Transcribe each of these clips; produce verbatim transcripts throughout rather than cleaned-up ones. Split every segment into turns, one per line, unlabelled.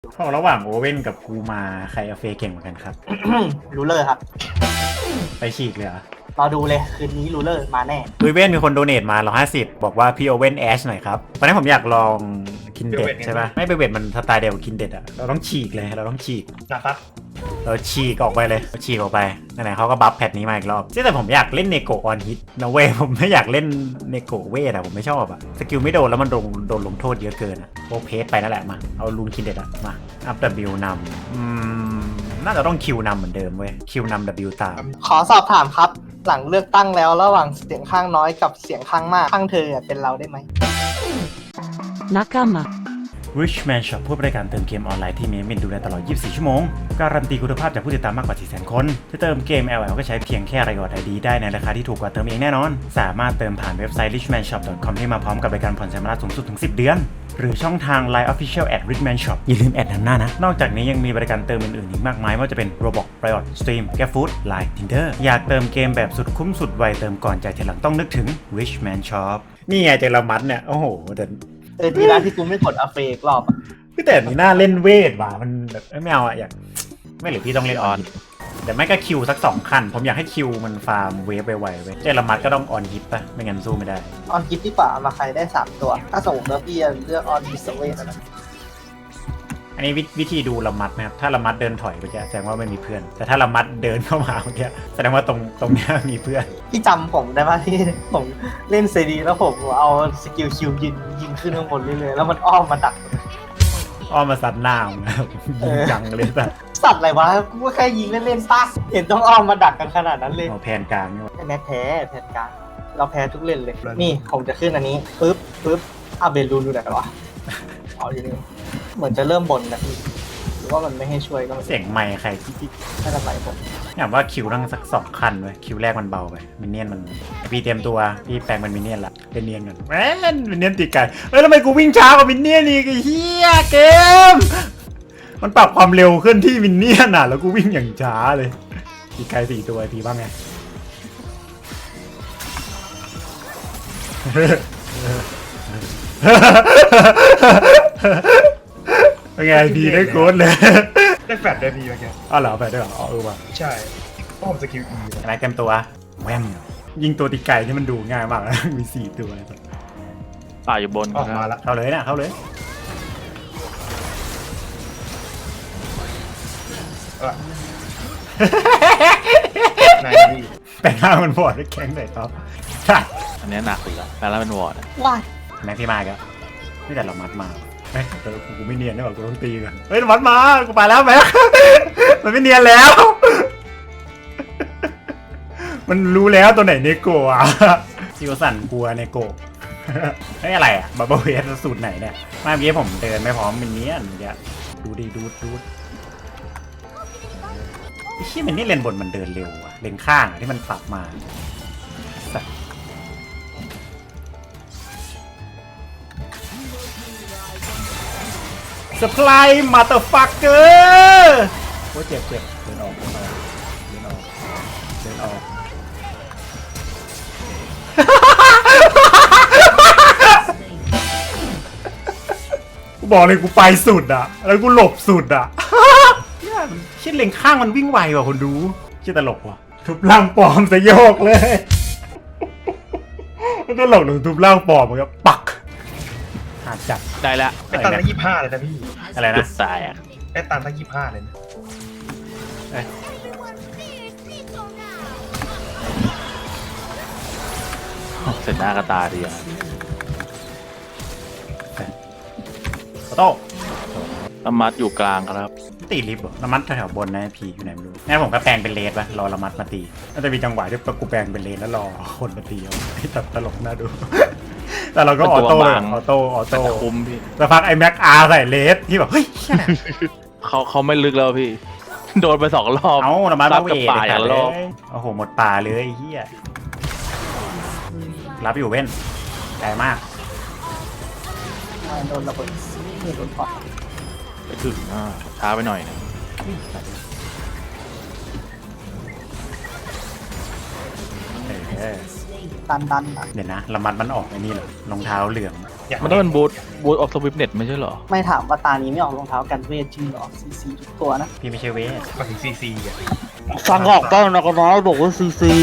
พอระหว่างโอเว่นกับกูมาใครเอาเฟเก่งเหมือนกันครับ
รูเลอร์ครับ
ไปฉีกเลยเหรอ
รอดูเลยคืนนี้รูเลอร์มาแน่
โอเว่นมีคนโดเนทมาร้อยห้าสิบบอกว่าพี่โอเว่นแอชหน่อยครับตอนนี้ผมอยากลองคินเด็ดใช่ปะไม่ไปเวทมันสไตล์เดียวกับคินเด็ดอะเราต้องฉีกเลยเราต้องฉีก
นะครับ
เราฉีกออกไปเลยฉีกออกไปไหนๆเขาก็บัฟแพทนี้มาอีกรอบแต่ผมอยากเล่นเนโกออนฮิตนะเว้ยผมไม่อยากเล่นเนโกเวทอะผมไม่ชอบอะสกิลไม่โดนแล้วมันโดนโดนลงโทษเยอะเกินอะโอเพสไปนั่นแหละมาเอาลูนคินเด็ดอะมาอัพดับบิวนำอืมน่าจะต้องคิวนำเหมือนเดิมเว้ยคิวนำดับบิวตาม
ขอสอบถามครับ หลังเลือกตั้งแล้วระหว่างเสียงข้างน้อยกับเสียงข้างมากข้างเธอเป็นเราได้ไหม
Nakama
Richman Shop ผู้บริการเติมเกมออนไลน์ที่มีมินดูแลตลอด ยี่สิบสี่ ชั่วโมง การันตีคุณภาพจากผู้ติดตามมากกว่า สี่แสน คนจะเติมเกม แอล แอล ก็ใช้เพียงแค่รายอด ไอ ดี ได้ในราคาที่ถูกกว่าเติมเองแน่นอน สามารถเติมผ่านเว็บไซต์ richman shop dot com ที่มาพร้อมกับบริการผ่อนชำระสูงสุดถึง สิบ เดือน หรือช่องทาง ไลน์ Official at richman shop อย่าลืมแอดนำหน้านะ นอกจากนี้ยังมีบริการเติมอื่นๆอีกมากมายไม่ว่าจะเป็น Roblox Riot Stream GrabFood Line Tinder อยากเติมเกมแบบสุดคุ้มสุดไวเติมก่อนจ่ายทีหลังต้องนึกถึง Richman Shop นี่ไงเจลมัดเนี่ยโอ้โหแต่
เออดีนะที่กูไม่กดอัฟเฟกรอบอะ
พี่แต่นี่น่าเล่นเวทว่ะมันแบบเอ้ยไม่เอาอะอยากไม่หรือพี่ต้องเล่นออนแต่ไม่ก็คิวสักสองคันผมอยากให้คิวมันฟาร์มเวฟไวๆเว้ยเจลมัดก็ต้องออนฮิตป่ะไม่งั้นสู้ไม่ได้
ออนคิดดีกว่าเอามาใครได้สามตัว ถ้าสมมติว่าพี่จะเลือกออนดิสเวทนะ
อันนี้วิวิธีดูละมัดนะครับถ้าละมัดเดินถอยไปแกแสดงว่าไม่มีเพื่อน แต่ถ้าละมัดเดินเข้ามาเมื่อกี้แสดงว่าตรงตรงเนี้ยมีเพื่อน
พี่จำผมได้ป่ะที่ผมเล่นเซดีแล้วผมเอาสกิลคิวยิงยิงขึ้นข้างบนเรื่อยๆแล้วมันอ้อมมาดัก
อ้อมมาซัดหน้าผมนะครับยิงจังเลยแต่
สัตว์อะไรวะกูก็แค่ยิงเล่นๆป่ะเห็นต้องอ้อมมาดักกันขนาดนั้นเลย
เอาแผนกลางนี่วะ
แพ้แพ้แพ้กลางเราแพ้ทุกเล่นเลย นี่ผมจะขึ้นอันนี้ปึ๊บปึ๊บอาเบลูนดูไหนวะอ๋ออยู่นี่เหมือนจะเริ่มบนนะพี่หรือว่ามันไม่ให้ช่วยก็ไม่
เสียงไมค์ใครที่ที่
ไม่เป็นไรผม
อยากว่าคิวตั้งสักสองคันเว้ยคิวแรกมันเบาไปมินเนี่ยนมันพี่เตรียมตัวพี่แปลงเป็นมินเนี่ยนละเป็นเนียนกันแม่นมินเนี่ยนตีไก่เฮ้ยทำไมกูวิ่งช้ากว่ามินเนี่ยนอีกไอ้เหี้ยเกมมันปรับความเร็วขึ้นที่มินเนี่ยนอ่ะแล้วกูวิ่งอย่างช้าเลยตีไก่สี่ตัวทีบ้างไง เป็นไงดีได้โค้ดเลย
ได้แฟลชได้พี่เมื่อกี้
อ้าวเหรอไปด้วยเหรออ๋อเออว่ะ
ใช่เพราะผมสกิล E
อะไรเต็มตัวแวมยิงตัวตีไก่ที่มันดูง่ายมากนะ มีสี่ตัว
ป่าอยู่บน
ออกมาแล้ว
เข้าเลยนะเข้าเลย
เออ นายพี่
แปลงร่างมันบอดด้วยแข้งใส่ท็อป
อันนี้หนักอีกแล้วแปลแล้วเป็นวอร์ดอะ
ว้าย
แม็กพี่มาอีก็นี่แต่เรามัดมาเฮ้ยแต่กูไม่เนียนได้หรอกูต้องตีก่อนเฮ้ยมัดมากูไปแล้วแม็ก มันไม่เนียนแล้ว มันรู้แล้วตัวไหนเนโกะอ่ะซิวสันกลัวเนโกะ เฮ้ยอะไรอ่ะบับเบิ้ลเวสสูตรไหนเนี่ยเมื่อกี้ผมเดินไม่พร้อมมินเนี่ยนเมื่อกี้ดูดิดูดูไอ้ที่มันนี่เลนบนมันเดินเร็วอ่ะเลนข้างอ่ะที่มันปรับมาสัตว์สปายมาเตอร์ฟักเกอร์โอ้เจ็บเจ็บเดินออกเดินออกเดินออกเดินออก กูบอกเลยกูไปสุดอ่ะแล้วกูหลบสุดอ่ะ เนี่ยมันเช่นเลงข้างมันวิ่งไวกว่าคนดูเช่นตลกว่ะทุบร่างปลอมสยโยกเลย มันตลกหรือทุบร่างปลอมมันก็ปักหาจับ
ได้ละ
ไอ้ตันตั้งยี่ห้าเลยนะพี่
อะไร
จุ
นะ
ดตายอ่ะ
ไอ้ตันตั้งยี่ห้าเลยนะ
เอ้ย
เสร็จหน้ากระตาดีอ่ะ
ขอโต้
น้ำมัดอยู่กลางครับ
ตีลิฟต์เหรอละมัดแถวๆบนนะพีอยู่ไหนไม่รู้งั้นผมก็แปลงเป็นเลสปะรอละมัดมาตีน่าจะมีจังหวะที่กูแปลงเป็นเลสแล้วรอคนมาตีเอาไอ้ตัดตลกน่าดู แต่เราก็ออโต้เลยออโต้ออ
แต่
โต้
จะคุ้มพี่
สักพักไอ้แม็กอาร์ใส่เลสที่แบบเฮ้ยเชี่ย
เขาเขาไม่ลึกแล้วพี่ โดนไปสองรอบ
เอาละมัด
รั
มา
บ
เว
กับ
ท
ป่าอย่างละรอบ
โอ้โหหมดป่าเลยไอ้เฮียรับอยู่เว้นแรงมาก
โดนระเบิดนี่โดนปอด
ไปถึงอ่าช้าไปหน่อยนะ
เออ
ดันดันอ่ะ
เดี๋ยวนะละมัดมันออกไอ้นี่เหรอรองเท้าเหลือง
อยาก
มันต้องเป็นบูทบูทออฟสวิปเน็ตไม่ใช่เหรอ
ไม่ถามว่าตานี้ไม่ออกรองเท้ากันเวทจริงเหรอซีซีทุกตัวนะ
พี่ไม่ใช่เวท
มาถึงซีซีอ่ะ
ฟังออกบ้างนะก็น้อยบอกว่าซีซี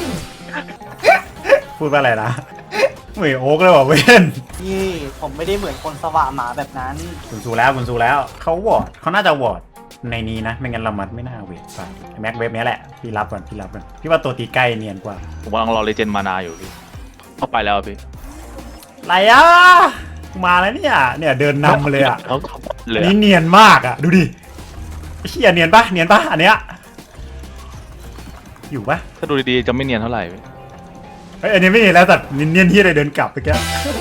พูดว่าอะไรนะเหมือนโอ๊กเลยว่ะเวน
นี่ผมไม่ได้เหมือนคนสว่างหมาแบบนั้น
คุณซูแล้วคุณซูแล้วเขาวอร์ดเขาน่าจะวอร์ดในนี้นะไม่งั้นเรามัดไม่น่าเวทไปแม็กเวฟเนี้ยแหละพี่รับก่อนพี่รับก่อนพี่ว่าตัวตีใกล้เนียนกว่า
ผมกำลังรอเลเจนด์มานาอยู่พี่เข้าไปแล้วพี่
อะไรอ่ะมาแล้วเนี่ยเนี่ยเดินนำมาเลยอ่ะ
เขาเขาเลย
อัน
อะ
นี้เนียนมากอ่ะดูดิไอ้เชี่ยเนียนปะเนียนปะอันเนี้ยอยู่ปะ
ถ้าดูดีๆจะไม่เนียนเท่าไหร่พี่
เฮ้ยอันนี้ไม่เนียนแล้วสัตว์มินเนี่ยนที่อะไรเดินกลับไปแก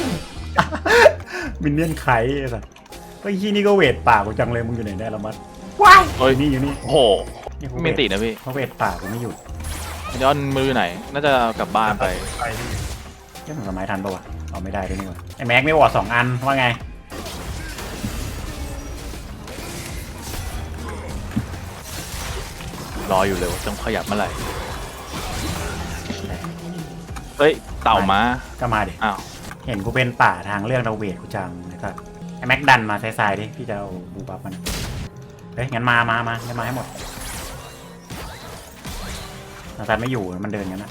มินเนี่ยนไข่ไอ้สัตว์เฮ้ยที่นี่ก็เวทป่ากูจังเลยมึงอยู่ไหนได้ละมัดว้าย
เฮ้ย
นี่อยู่นี่
โอ้โห
นี่เขา
ไม่
เวท
ติดนะพี่
เขาเวทป่ากูไม่หยุด
ย้อนมืออยู่ไหน น่าจะกลับบ้านไป
ไปพี่
เรื่องของสมัยทันปะวะเอาไม่ได้ด้วยนี่หว่าไอ้แม็กไม่วอร์ดสองอันว่าไง
รออยู่เลยว่าต้องขยับเมื่อไหร่เฮ้ยเต่ามา
ก็มาดิ
อ้าว
เห็นกูเป็นป่าทางเรื่องเราเวทกูจังนะครับไอ้แม็กดันมาซ้ายๆดิพี่จะเอาบูบับมันเฮ้ยงั้นมามามางั้นมาให้หมดนาซานไม่อยู่มันเดินกันนะ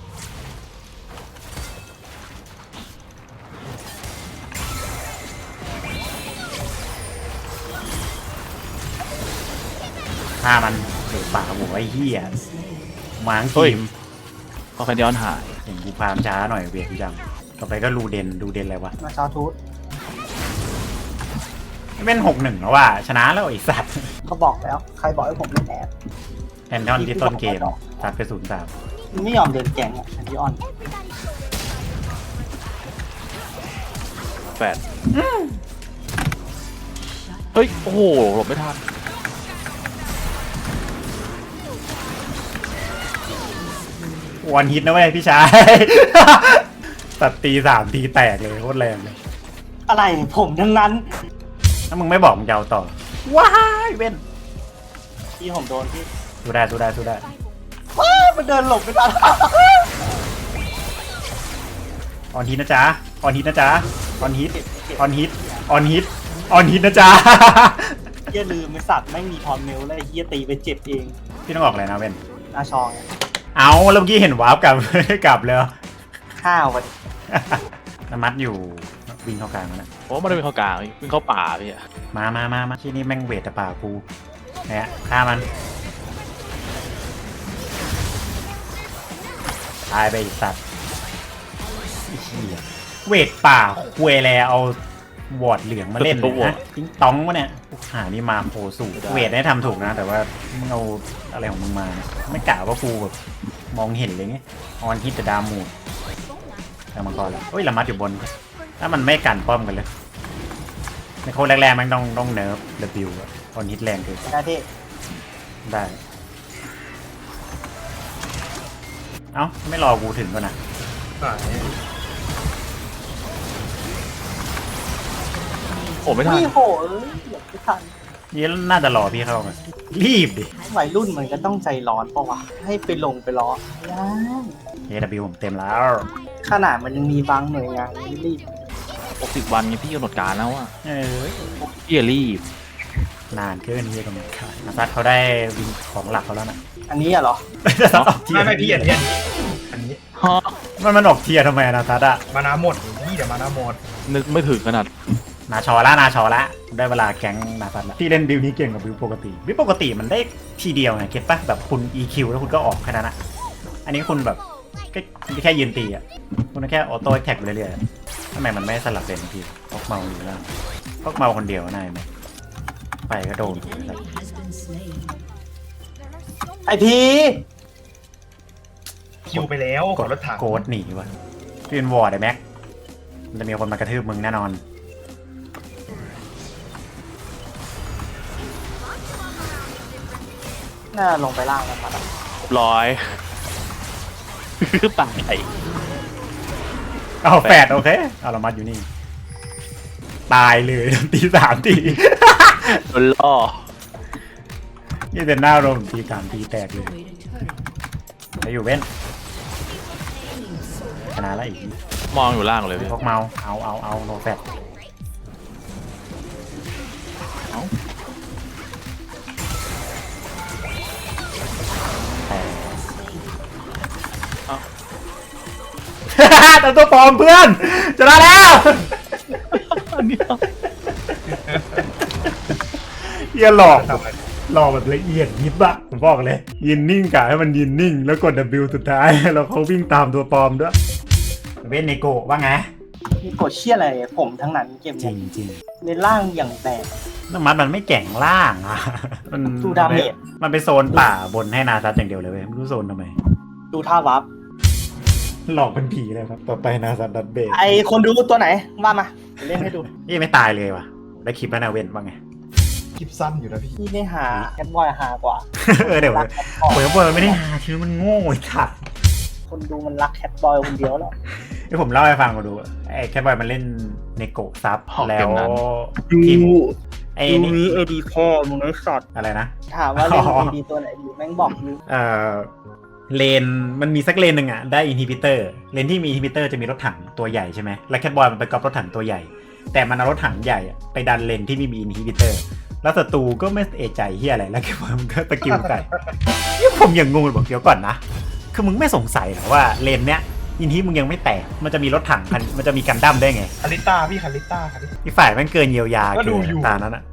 ถ้ามันเดือดป่าหัวไอ้เหี้ยมาทั้งทีม
พอแคนย้อนหาย
เห็นกูพามช้าหน่อยเวียกูจังต่อไปก็รูเดนรูเดนอะไรวะ
มาชาวทูต
ไม่เป็นหกหนึ่งแล้วว่ะชนะแล้วไอ้สัตว์
ก็บอกแล้ว ใครบอกให้ผมเล่นแอบ
แพนทอนที่ต้นเกมสัตว์ไปศูนย์สาม
มันไม่ยอมเดินแกงอ่ะแอนติออน
แปดเฮ้ย โอ้โหหลบไม่ทัน
วันฮิตนะเว้ยพี่ชาย ตัดตีสามตีแตกเลยโคตรแรงเลย
อะไรผมทั้งนั้น
ถ้ามึงไม่บอกมึงจะเอาต่อว้ายเว้น
ที่ผมโดนที่
สู้ได้สู้ได้สู้ได้
ว้าวมันเดินหลบไม่ทัน
ออนฮิตนะจ๊ะออนฮิตนะจ๊ะออนฮิตออนฮิตออนฮิตออนฮิตนะจ๊ะ
เฮียลืมไอ้สัตว์ไม่งมีทอนเมลแล้วไอ้เฮียตีไปเจ็บเอง
พี่ต้องออกอะไรนะเว้น
อาชองเนี่ย
เอาแล้วเมื่อกี้เห็นวาร์ปกลับ กลับเลยเหรอ
ข้าววัน
น้ำมัดอยู่วิ่งเข้ากลางแล้วนะ
โอ้ไม่ได้เป็นเข้ากลางพี่วิ่งเข้าป่าพี่อะ
มามามามาที่นี่แม่งเวทแต่ป่ากูเนี่ยฆ่ามันตายไปอีกสัตว์ไอ้เหี้ยเวทป่าคุยแล้วเอาวอร์ดเหลืองมาเล่นเลยนะติ้งต้องวะเนี่ยหานี่มาโคสูเวทได้ทำถูกนะ แต่ว่ามึงเอาอะไรของมึงมาเนี่ยไม่กะว่ากูแบบมองเห็นเลยไงออนฮิตจะดามูดแต่มังกรแล้วเฮ้ยละมัดอยู่บน ถ้ามันไม่กันป้อมกันเลยในโค้ดแรกๆมันต้องต้องเนิร์ฟเดบิวต์ออนฮิตแรงเกิน
หน้าที่
ได้ เอ้าไม่รอกูถึงก่อนนะ
หาย
โอ้ไม่ทัน
นี่โหเอ้ยเหลือไม่ทัน
นี่น่าจะรอพี่เข้ามารีบดิ
วัยรุ่นมันก็ต้องใจร้อนปะวะให้ไปลงไปล้อไม่ได้
เอ ดับเบิลยู ผมเต็มแล้ว
ขนาดมันยังมีบางหน่วยงานที่รีบ
หกสิบวันไงพี่กำหนดการแล้วอะ
เออ
พี่อย่ารีบ
นานเกินที่จะกำหนดการนาซัดเขาได้วินของหลักเขาแล้วนะ
อันนี้อะเหรอ
นาซัดออกเทีย
ไม่
ร์
ไม่พี่อันนี้อันนี้
ฮะ
มันมันออกเทียร์ทำไมอะนาซัดอะ
มานาหมดพี่เดี๋ยวมานาหมด
นึกไม่ถึงขนาด
นาชอละนาชอละได้เวลาแก๊งนาซัดละที่เล่นบิลนี้เก่งกว่าบิลปกติบิลปกติมันได้ทีเดียวไงเก็ตปะแบบคุณ อี คิว แล้วคุณก็ออกแค่นั้นอะอันนี้คุณแบบแค่แค่ยืนตีอะคุณแค่ออโต้แท็กไปเรื่อยๆทำไมมันไม่สลับเลนพี่พกเมาอยู่แล้วพกเมาคนเดียวนายไหมไปก็โดน
ไอพี
คิวไปแล้วกดรถถัง
โกดหนีวะพี่เป็นวอร์ดไอ้แม็กมันจะมีคนมากระทืบมึงแน่นอน
น่าลงไปล่างแล้วครับ
ร้อย ตาย
เอาแฟดโอเคเอาละมัดอยู่นี่ ตายเลยตีสามที
โดนล่อ
นี่เป็นหน้าโรมตีสามทีแตกเลยแล้วอยู่เว้นชนะแล้วอีก
มองอยู่ล่างเลยพี่
พวกเมาเอาเอาเอาโนแฟต
เอ้า
แต่ตัวปลอมเพื่อนจะได้แล้ว
อันนี้
เฮียหลอก
ทำอะไร
หลอกแบบละเอียดยิบอะผมบอกเลย ยืนนิ่งกะให้มันยืนนิ่ง แล้วกด W สุดท้าย แล้วเขาวิ่งตามตัวปลอมด้วยเวนเนโกะว่าไง
มีกดเชี่ยอะไรผมทั้งนั้นเกม
จริ
นี้
งจริง
ในร่างอย่างแตก
น้ำมันมันไม่แก่งล่างอะมัน
ดูดาเมจ
มันเป็นโซนป่าบนให้นาซัดอย่างเดียวเลยเว้ยไม่รู้โซนทำไม
ดูท่าวับ
หลอกเป็นผีเลยครับ ต่อไปนาซัดดัดเบส
ไอคนดูตัวไหนว่ามาเล่นให้ดู
นี่ไม่ตายเลยว่ะ ได้คลิปแล้วนะเว้นว่าไง
คลิปสั้นอยู่นะพี่
พี่ได้หาแคทบอยหากว่า
เออเดี๋ยว
รักแคทบอย
โอ้ยบอยมันไม่ได้หาชื่อมันโง่ไอ้สัตว์
คนดูมันรักแคทบอยคนเดียวแล้ว
เดี๋ยวผมเล่าให้ฟังมาดูไอ้แคทบอยมันเล่นเนโกะซับ
ออก
แล้
เก
ว
มนั้น
ทีมไอ้
ดู
นี่
นี้เอดีพ่อมึงไอ้สัตว์
อะไรนะ
ถามว่าเล่น
อ๋อ
เอดีตัวไหนดีแม่งบอกอยู่
เอ่อเลนมันมีสักเลนหนึ่งอะได้อินฮิบิเตอร์เลนที่มีอินฮิบิเตอร์จะมีรถถังตัวใหญ่ใช่ไหมแล้วแคทบอยมันไปกอบรถถังตัวใหญ่ แต่มันเอารถถังใหญ่อะไปดันเลนที่ไม่มีอินฮิบิเตอร์แล้วศัตรูก็ไม่เอะใจเฮียอะไรแล้วแคทบอยมันก็ตะกิวใส่นี่ผมยังงงเลยบอกเดี๋ยวก่อนนะคือมึงไม่สงสัยเหรอว่าเลนเนี้ยอินฮิมึงยังไม่แตกมันจะมีรถถังคันมันจะมีกันดั้มได้ไง
คาริต้าพี่คาริต้าคาริต้า
อีกฝ่ายแม่งเกินเยียวยา
ก็ดู
เกิน
อยู่
ตานั้นอะ